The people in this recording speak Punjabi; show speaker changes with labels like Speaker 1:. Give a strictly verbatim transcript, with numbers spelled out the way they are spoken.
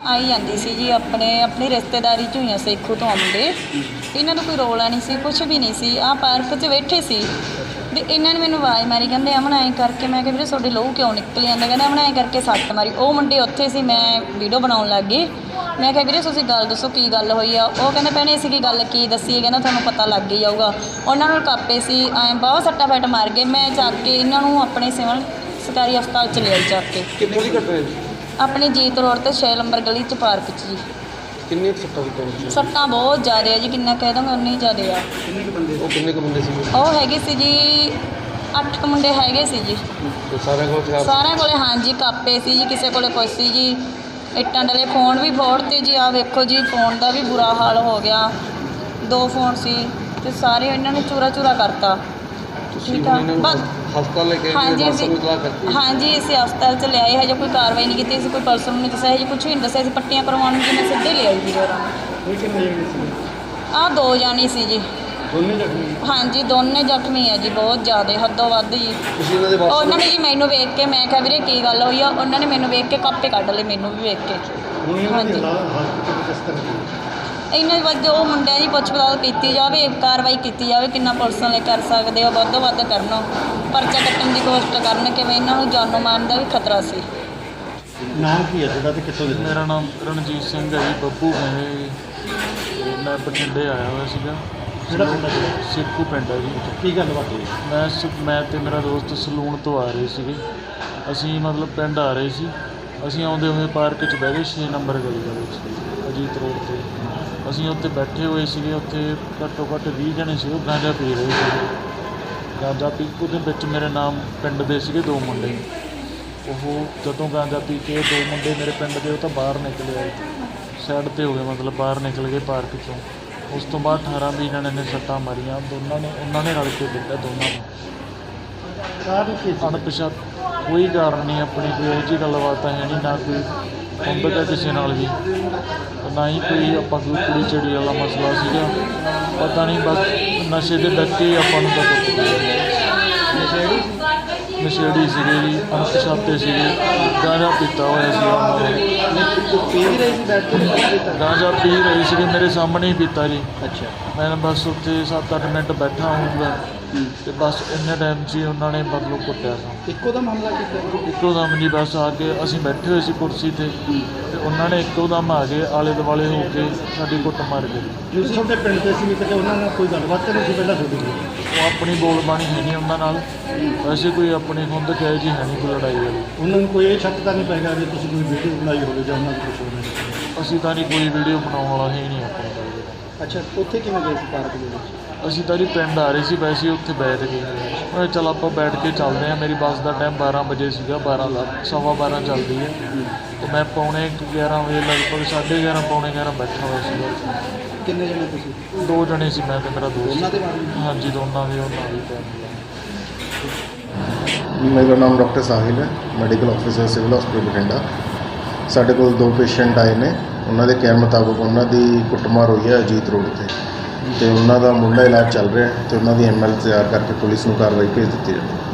Speaker 1: आई जाती सी जी अपने अपनी रिश्तेदारी च हुई सेखू तो मुंडे इन्हों का कोई रौला नहीं सी कुछ भी नहीं सी आ पार्क च बैठे सी ते इन्होंने मैनू आवाज़ मारी कहते अमन ऐ करके मैं वीरे तुहाडे लहू क्यों निकल जाता कहते अमन ऐ करके सट्ट मारी वो मुंडे उत्थे सी मैं वीडियो बनाउण लग गई मैं क्या वीरे तुसीं गल दसो की गल होई आ वो कहते भैणे असीं की गल की दसीए कहना तुहानूं पता लग ही जाऊगा उन्होंने कापे सी ऐ बहुत सट्टा फैट मार गए मैं चक के इन्हों अपने सिविल सरकारी हस्पताल च लिया चक के
Speaker 2: कित्थों दी घटना है जी?
Speaker 1: अपनी जीत रोड ते छे नंबर गली च पार्क च जी
Speaker 2: किन्नी सट्टां कीतियां?
Speaker 1: सट्टां बहुत ज़्यादा है जी किन्ना कह दूँगा उन्नी ज़्यादा आ
Speaker 2: किन्ने क बंदे वो किन्ने क बंदे सी
Speaker 1: वो हैगे सी जी अठ क मुंडे हैगे सी जी
Speaker 2: ते सारे कोल हथियार
Speaker 1: सारिਆਂ ਕੋਲੇ हाँ जी कापे सी जी किसी कोले कुछ सी जी ਇੱਟਾਂ ਡਲੇ फोन भी फोड़ते जी आ वेखो जी फोन का भी बुरा हाल हो गया दो फोन सी ते सारे इन्होंने चूरा चूरा करता ठीक है बस
Speaker 2: हस्पताल लेके
Speaker 1: हाँ जी
Speaker 2: वापस इतला करती
Speaker 1: हाँ जी इसे हस्पताल च लियाए हजे कोई कार्रवाई नहीं की कोई पर्सन नहीं दसा हजे कुछ भी नहीं दसा पट्टियां करवाने जी मैं सीधे ले आई जी आ दो जानी सी जी हाँ जी दोने जख्मी है जी बहुत ज़्यादा हदों वध जी उन्होंने जी मैनू वेख के मैं क्या वीरे की गल हुई आ उन्होंने मैनू वेख के कापे कढ़ ले मैनू भी वेख के हाँ जी इन्हें वजह वो मुंडिया की पुछ पड़ताल की जाए कार्रवाई की जाए कि पुलिस वाले कर सकते हो वधो वध करन परचा कट्टन की कोशिश करन कि इन्हों जानो मारन का भी खतरा से
Speaker 3: नाम की है तुहाडा ते कित्थों दे?
Speaker 4: मेरा नाम रणजीत सिंह है जी बब्बू है जी मैं बठिंडे आया हुआ सीगा
Speaker 3: ਕਿਹੜਾ ਪਿੰਡ ਹੈ?
Speaker 4: ਸਿੱਖੂ ਪਿੰਡ ਹੈ ਜੀ
Speaker 3: ਕੀ ਗੱਲਬਾਤ ਹੋਈ?
Speaker 4: ਮੈਂ ਸ- ਮੈਂ ਤੇ ਮੇਰਾ ਦੋਸਤ ਸਲੂਨ ਤੋਂ ਆ ਰਹੇ ਸੀਗੇ ਅਸੀਂ ਮਤਲਬ ਪਿੰਡ ਆ ਰਹੇ ਸੀ ਅਸੀਂ ਆਉਂਦੇ ਹੋਏ ਪਾਰਕ 'ਚ ਬਹਿ ਗਏ ਛੇ ਨੰਬਰ ਗਲੀ ਦੇ ਵਿੱਚ ਅਜੀਤ ਰੋਡ 'ਤੇ ਅਸੀਂ ਉੱਥੇ ਬੈਠੇ ਹੋਏ ਸੀਗੇ ਉੱਥੇ ਘੱਟੋ ਘੱਟ ਵੀਹ ਜਣੇ ਸੀ ਉਹ ਗਾਂਜਾ ਪੀ ਰਹੇ ਸੀ ਗਾਂਜਾ ਪੀ ਉਹਦੇ ਵਿੱਚ ਮੇਰੇ ਨਾਮ ਪਿੰਡ ਦੇ ਸੀਗੇ ਦੋ ਮੁੰਡੇ ਉਹ ਜਦੋਂ ਗਾਂਜਾ ਪੀ ਕੇ ਦੋ ਮੁੰਡੇ ਮੇਰੇ ਪਿੰਡ ਦੇ ਉਹ ਤਾਂ ਬਾਹਰ ਨਿਕਲੇ ਆਏ ਸਾਈਡ 'ਤੇ ਹੋ ਗਏ ਮਤਲਬ ਬਾਹਰ ਨਿਕਲ ਗਏ ਪਾਰਕ 'ਚੋਂ ਉਸ ਤੋਂ ਬਾਅਦ ਅਠਾਰਾਂ ਵੀਹ ਜਣੇ ਨੇ ਸੱਟਾਂ ਮਾਰੀਆਂ ਦੋਨਾਂ ਨੇ ਉਹਨਾਂ ਨੇ ਰਲ ਕੇ ਦਿੱਤਾ ਦੋਨਾਂ ਨੂੰ
Speaker 3: ਕਾਹਦੀ ਕੀ ਸੀ?
Speaker 4: ਅਣਪਛਾਤ ਕੋਈ ਕਾਰਨ ਨਹੀਂ ਆਪਣੀ ਕੋਈ ਇਹੋ ਜਿਹੀ ਗੱਲਬਾਤ ਹੈ ਨਹੀਂ ਨਾ ਕੋਈ ਕੰਬਤ ਹੈ ਕਿਸੇ ਨਾਲ ਵੀ ਨਾ ਹੀ ਕੋਈ ਆਪਾਂ ਕੋਈ ਕੁੜੀ ਚਿੜੀ ਵਾਲਾ ਮਸਲਾ ਸੀਗਾ ਪਤਾ ਨਹੀਂ ਬਸ ਨਸ਼ੇ ਦੇ ਡੱਕੇ ਆਪਾਂ ਨੂੰ ਤਾਂ ਨਸ਼ੇੜੀ ਸੀਗੇ ਜੀ ਅਣਪਛਾਤੇ ਸੀਗੇ ਗਾਂਜਾ ਪੀਤਾ ਹੋਇਆ ਸੀ ਉਹਨਾਂ ਨੇ
Speaker 3: ਪੀ ਵੀ ਰਹੀ ਸੀ ਬੈਠ ਕੇ?
Speaker 4: ਗਾਂਜਾ ਪੀ ਰਹੀ ਸੀਗੀ ਮੇਰੇ ਸਾਹਮਣੇ ਹੀ ਪੀਤਾ ਜੀ
Speaker 3: ਅੱਛਾ
Speaker 4: ਮੈਂ ਬਸ ਉੱਥੇ ਸੱਤ ਅੱਠ ਮਿੰਟ ਬੈਠਾ ਹੋਊਗਾ ਤੇ ਬਸ ਇੰਨੇ ਟਾਈਮ 'ਚ ਹੀ ਉਹਨਾਂ ਨੇ ਮਤਲਬ ਕੁੱਟਿਆ ਸੀ
Speaker 3: ਇੱਕੋ ਦਾ ਮਾਮਲਾ ਕੀਤਾ?
Speaker 4: ਇੱਕੋ ਦਮ ਜੀ ਬਸ ਆ ਕੇ ਅਸੀਂ ਬੈਠੇ ਹੋਏ ਸੀ ਕੁਰਸੀ 'ਤੇ ਤੇ ਉਹਨਾਂ ਨੇ ਇੱਕੋ ਦਮ ਆ ਕੇ ਆਲੇ ਦੁਆਲੇ ਹੋ ਕੇ ਸਾਡੀ ਕੁੱਟ ਮਾਰ ਗਏ
Speaker 3: ਤੁਸੀਂ ਤੁਹਾਡੇ ਪਿੰਡ ਦੇ ਸੀ ਕਿਤੇ ਉਹਨਾਂ ਨਾਲ ਕੋਈ ਗੱਲਬਾਤ ਤਾਂ ਨਹੀਂ ਸੀ ਪਹਿਲਾਂ ਤੁਹਾਡੀ?
Speaker 4: ਉਹ ਆਪਣੀ ਬੋਲਬਾਣੀ ਹੈ ਨਹੀਂ ਉਹਨਾਂ ਨਾਲ ਵੈਸੇ ਕੋਈ ਆਪਣੀ ਹੁੰਦ ਕਹੇ ਜੀ ਹੈ ਨਹੀਂ ਕੋਈ ਲੜਾਈ ਵਾਲੀ
Speaker 3: ਉਹਨਾਂ ਨੂੰ ਕੋਈ ਇਹ ਸ਼ੱਕ ਤਾਂ ਨਹੀਂ ਪੈਗਾ ਵੀ ਤੁਸੀਂ ਕੋਈ ਵੀਡੀਓ ਬਣਾਈ ਹੋਵੇ ਜਾਂ ਉਹਨਾਂ ਨੂੰ ਕੁਝ ਹੋਵੇ?
Speaker 4: ਅਸੀਂ ਤਾਂ ਨਹੀਂ ਕੋਈ ਵੀਡੀਓ ਬਣਾਉਣ ਵਾਲਾ ਹੈ ਹੀ ਨਹੀਂ ਆਪਣੇ ਕੋਲ
Speaker 3: ਅੱਛਾ ਉੱਥੇ ਕਿਵੇਂ ਗਏ ਸੀ ਪਾਰਕ ਦੇ ਵਿੱਚ?
Speaker 4: ਅਸੀਂ ਤਾਂ ਜੀ ਪਿੰਡ ਆ ਰਹੇ ਸੀ ਵੈਸੇ ਹੀ ਉੱਥੇ ਬੈਠ ਗਏ ਮੈਂ ਚਲ ਆਪਾਂ ਬੈਠ ਕੇ ਚੱਲਦੇ ਹਾਂ ਮੇਰੀ ਬੱਸ ਦਾ ਟਾਈਮ ਬਾਰਾਂ ਵਜੇ ਸੀਗਾ ਬਾਰਾਂ ਦਾ ਸਵਾ ਬਾਰਾਂ ਚੱਲਦੀ ਹੈ ਤੇ ਮੈਂ ਪੌਣੇ ਗਿਆਰਾਂ ਵਜੇ ਲਗਭਗ ਸਾਢੇ ਗਿਆਰਾਂ ਪੌਣੇ ਗਿਆਰਾਂ ਬੈਠਾ ਹੋਇਆ ਸੀਗਾ
Speaker 3: ਕਿੰਨੇ ਜਣੇ ਤੁਸੀਂ?
Speaker 4: ਦੋ ਜਣੇ ਸੀ ਮੈਂ ਤੇ ਮੇਰਾ ਦੋਸਤ
Speaker 3: ਉਹਨਾਂ ਦੇ ਬਾਰੇ?
Speaker 4: ਹਾਂਜੀ ਦੋਨਾਂ ਦੇ ਉਹਨਾਂ ਦੀ
Speaker 5: ਮੇਰਾ ਨਾਮ ਡਾਕਟਰ ਸਾਹਿਲ ਹੈ medical officer civil hospital Bathinda. ਸਾਡੇ ਕੋਲ ਦੋ ਪੇਸ਼ੈਂਟ ਆਏ ਨੇ ਉਹਨਾਂ ਦੇ ਕਹਿਣ ਮੁਤਾਬਕ ਉਹਨਾਂ ਦੀ ਕੁੱਟਮਾਰ ਹੋਈ ਹੈ ਅਜੀਤ ਰੋਡ 'ਤੇ ਤੇ ਉਹਨਾਂ ਦਾ ਮੁੱਢਲਾ ਇਲਾਜ ਚੱਲ ਰਿਹਾ ਤੇ ਉਹਨਾਂ ਦੀ ਐਮ ਐਲ ਤਿਆਰ ਕਰਕੇ ਪੁਲਿਸ ਨੂੰ ਕਾਰਵਾਈ ਭੇਜ ਦਿੱਤੀ ਜਾਵੇ।